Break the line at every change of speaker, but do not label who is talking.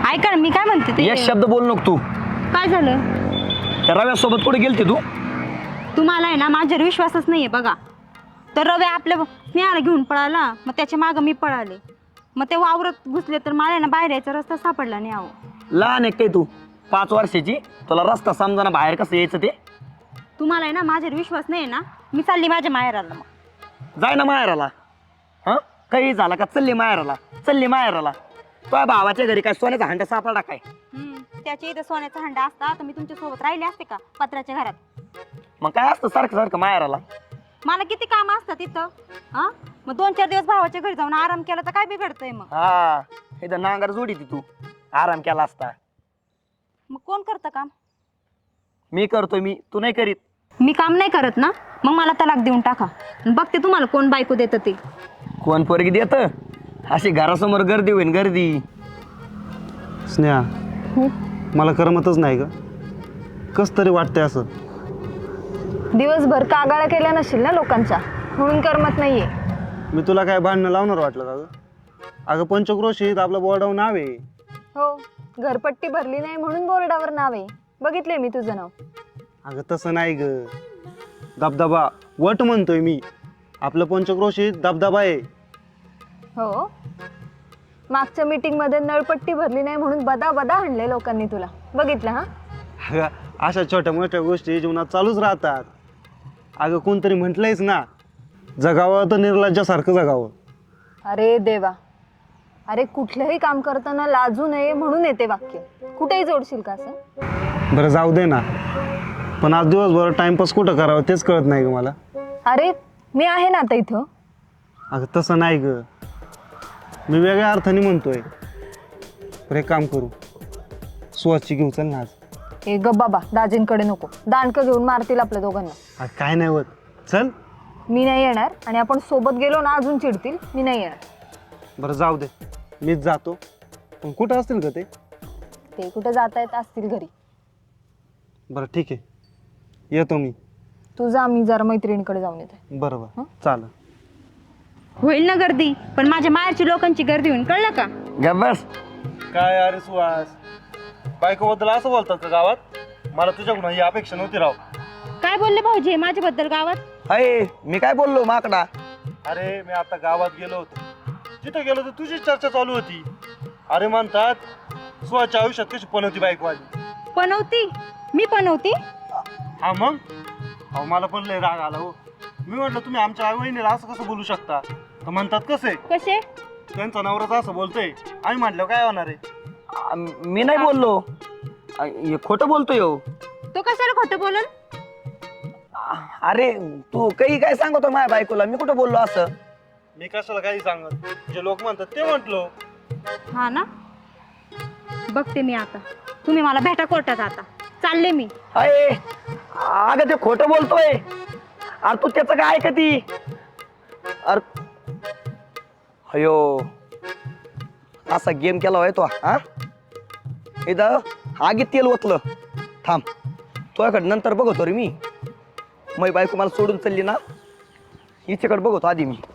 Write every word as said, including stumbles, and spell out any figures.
ऐका ना, मी काय म्हणते ते
एक शब्द बोल नको तू.
काय झालं?
त्या रव्यासोबत कुठे गेलती तू?
तुम्हाला आहे ना माझ्यावर विश्वासच नाहीये बघा. तर रवे आपल्या स्नेहाला घेऊन पळाला, मग त्याच्या मागं मी पळाले, मग ते वावरत घुसले, तर मला ना बाहेर यायचा रस्ता सापडला नाही. आहो
लहान आहे काय तू? पाच वर्षाची, तुला रस्ता समजाना बाहेर कसं यायचं ते?
तुम्हाला आहे ना माझ्यावर विश्वास नाही ना, मी चालली माझ्या माहेराला. मग
जाय ना माहेराला. हां काही झाला का चालली माहेराला, चालली माहेराला. तुझ्या भावाच्या घरी काय सोन्याचा हंडा सापडला काय?
त्याच्या इथं सोन्याचा हंडा असता तर मी तुमच्या सोबत राहिले असते का पत्र्याच्या घरात?
मग काय असतं सारखं सारखं माहेराला?
मला किती काम असतं तिथं. हा मग दोन चार दिवस भावाच्या घरी जाऊन आराम केला तर काय बिघडतंय? मग
हा इथं नांगर जोडी ती तू आराम केला असता.
मग कोण करतं काम?
मी करतोय, मी तू नाही करीत.
मी काम नाही करत ना, मग मला तलाक देऊन टाका. बघते तुम्हाला कोण बायको देतं ते.
कोण पोरगी देत? अशी घरासमोर गर्दी होईन गर्दी.
स्नेहा, मला करमतच नाही ग. कस तरी वाटतंय असं.
दिवसभर कागाळा केल्या नशील ना लोकांच्या, म्हणून करमत नाहीये.
मी तुला काय भांडणं लावणार वाटलं का ग? अगं पंचक्रोशीत आपलं बोर्डावर नाव आहे.
हो, घरपट्टी भरली नाही म्हणून बोर्डावर नाव आहे. बघितले मी तुझं नाव.
अगं तसं नाही ग. दबदबा वट म्हणतोय मी. आपलं पंचक्रोशीत दबदबा आहे.
हो, मागच्या मीटिंग मध्ये नळपट्टी भरली नाही म्हणून बदा बदा हाणले लोकांनी तुला. बघितलं हा?
अगं अशा छोट्या मोठ्या गोष्टी जीवनात चालूच राहतात. अगं कोणतरी म्हटलंयच ना, जगावं तर निर्लज्जासारखं जगावं.
अरे देवा, अरे कुठलंही काम करताना लाजू नये म्हणून येते वाक्य. कुठेही जोडशील का असं?
बरं जाऊ दे ना, पण आज दिवसभर टाइमपास कुठं करावं तेच कळत नाही ग मला.
अरे मी आहे ना आता इथं.
अगं तसं नाही ग, मी वेगळ्या अर्थाने म्हणतोय. बरं एक काम करू, सुवासची घेऊ चल ना आज.
ए ग बाबा, दाजींकडे नको. दांडकं घेऊन मारतील आपल्या दोघांना.
अगं काय नाही होत, चल.
मी नाही येणार, आणि आपण सोबत गेलो ना अजून चिडतील. मी नाही येणार.
बरं जाऊ दे, मीच जातो. पण कुठं असतील का ते?
ते कुठे जाता येत असतील घरी.
बरं ठीक आहे, येतो मी.
तू जा, मी जरा मैत्रिणीकडे जाऊन येते.
बरोबर चालेल.
होईल ना गर्दी, पण माझ्या माहेरची लोकांची गर्दी होईल, कळलं का?
ग बस.
काय अरे सुहास, बायकोबद्दल असं बोलतात का गावात? मला तुझ्याकडून ही अपेक्षा नव्हती राव.
काय बोलले भाऊजी माझ्याबद्दल गावात?
अय मी काय बोललो माकडा?
अरे मी आता गावात गेलो होतो, जिथं गेलो तर तुझी चर्चा चालू होती. अरे म्हणतात सुहासच्या आयुष्यात कशी पनवती बायको आली.
पनवती? मी पनवती?
हा मग? अहो मला पण लय राग आला हो. मी म्हटलं तुम्ही आमच्या आई वहिनीला असं कसं बोलू शकता? तर म्हणतात कसे
कसे?
त्यांचा नवराच असं बोलतोय, आम्ही म्हटलं काय होणार आहे.
आ, मी नाही बोललो. आ, हे खोटं बोलतोय हो.
तो कशाला खोटं बोलल?
आ, अरे तू काही काय सांगतो माझ्या बायकोला? मी कुठं बोललो असं?
मी कशाला काही सांगत, जे लोक म्हणतात ते म्हटलो.
हा ना, बघते मी आता. तुम्ही मला भेटा कोर्टात, आता चालले मी.
अय अगं ते खोटं बोलतोय. अरे तू त्याचं काय ऐकती? अरे अयो असा गेम केला होय तो. हा इथं आगीत तेल ओतलं. थांब, तुझ्याकडे नंतर बघतो रे मी. मै बायको मला सोडून चालली ना, हिच्याकडे बघतो आधी मी.